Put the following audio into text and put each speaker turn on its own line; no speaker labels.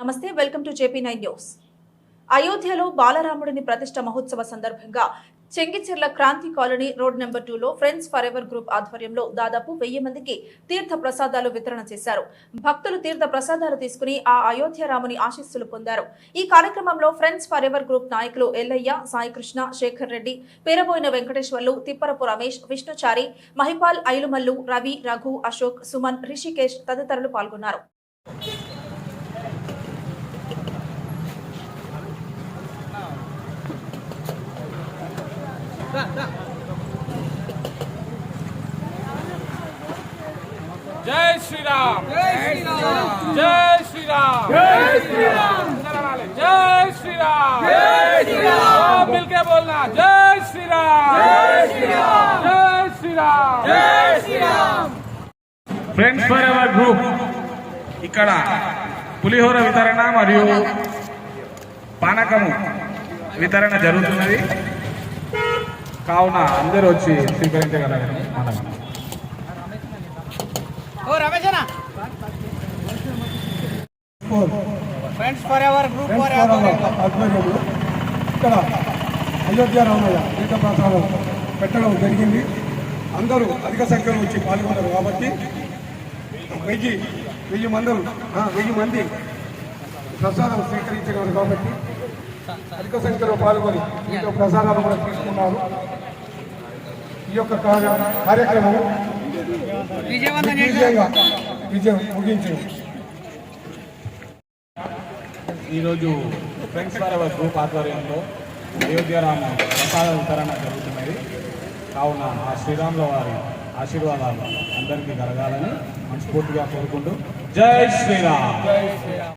నమస్తే, welcome to JP9 news. అయోధ్యలో బాలరాముడిని ప్రతిష్ఠ మహోత్సవ సందర్భంగా Chengicherla Kranti colony road number 2లో ఫ్రెండ్స్ ఫర్ ఎవర్ గ్రూప్ ఆధ్వర్యంలో దాదాపు 1000 మందికి తీర్థ ప్రసాదాలు వితరణ చేశారు. భక్తులు తీర్థ ప్రసాదాలు తీసుకుని ఆ అయోధ్య రాముని ఆశీస్సులు పొందారు. ఈ కార్యక్రమంలో ఫ్రెండ్స్ ఫర్ ఎవర్ గ్రూప్ నాయకులు ఎల్లయ్య, సాయికృష్ణ, శేఖర్ రెడ్డి, పేరబోయిన వెంకటేశ్వర్లు, తిప్పరపు రమేష్, విష్ణుచారి, మహిపాల్, ఐలుమల్లు, రవి, రఘు, అశోక్, సుమన్, రిషికేష్ తదితరులు పాల్గొన్నారు.
जय श्री राम, जय श्री राम, जय श्री राम, जय श्री राम, जय श्री राम, जय श्री राम, मिलके बोलना जय श्री राम, जय श्री राम, जय श्री राम, जय Shri Ram. Friends for ever group ఇక్కడ పులిహోర వితరణ మరియు పానకము వితరణ జరుగుతున్నది. కావున అందరూ వచ్చి స్వీకరించగలరని మనం
ఫ్రెండ్స్ ఫర్ ఎవర్ గ్రూప్ ఆధ్వర్యంలో ఇక్కడ అయోధ్య రామయ్య తీర్థ ప్రసాదం పెట్టడం జరిగింది. అందరూ అధిక సంఖ్యలో వచ్చి పాల్గొన్నారు కాబట్టి 1000 మంది ప్రసాదం స్వీకరించినారు కాబట్టి అధిక సంఖ్యలో పాల్గొని ఈ యొక్క ప్రసాదాలు కూడా తీసుకున్నారు. ఈ యొక్క కార్యక్రమం విజయం ముగించింది.
ఈరోజు ఫ్రెండ్స్ ఫర్ ఎవర్ గ్రూప్ ఆధ్వర్యంలో అయోధ్య రామ ప్రసాద వితరణ జరుగుతున్నది. కావున ఆ శ్రీరాముల వారి ఆశీర్వాదాలు అందరికీ కలగాలని మనస్ఫూర్తిగా కోరుకుంటూ జై శ్రీరామ్.